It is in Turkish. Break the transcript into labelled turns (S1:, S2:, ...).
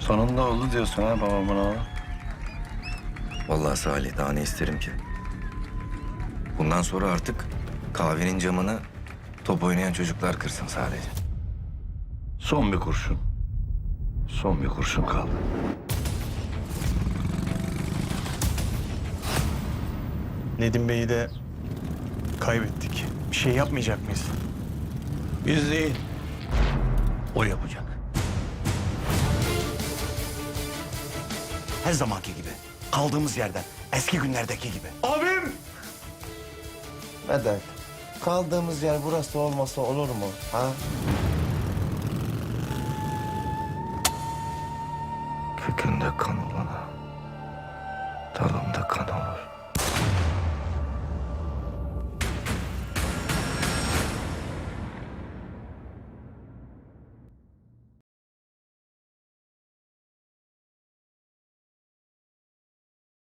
S1: Sonunda oldu diyorsun ha babamın.
S2: Vallahi Salih daha ne isterim ki? Bundan sonra artık kahvenin camını top oynayan çocuklar kırsın sadece.
S1: Son bir kurşun. Son bir kurşun kaldı.
S3: Nedim Bey'i de kaybettik. Bir şey yapmayacak mıyız?
S1: Biz değil. O yapacak.
S4: Her zamanki gibi. Kaldığımız yerden. Eski günlerdeki gibi.
S3: Abim!
S5: Vedat, kaldığımız yer burası olmasa olur mu? Ha?
S2: Kökünde kan olana dalında kan olur.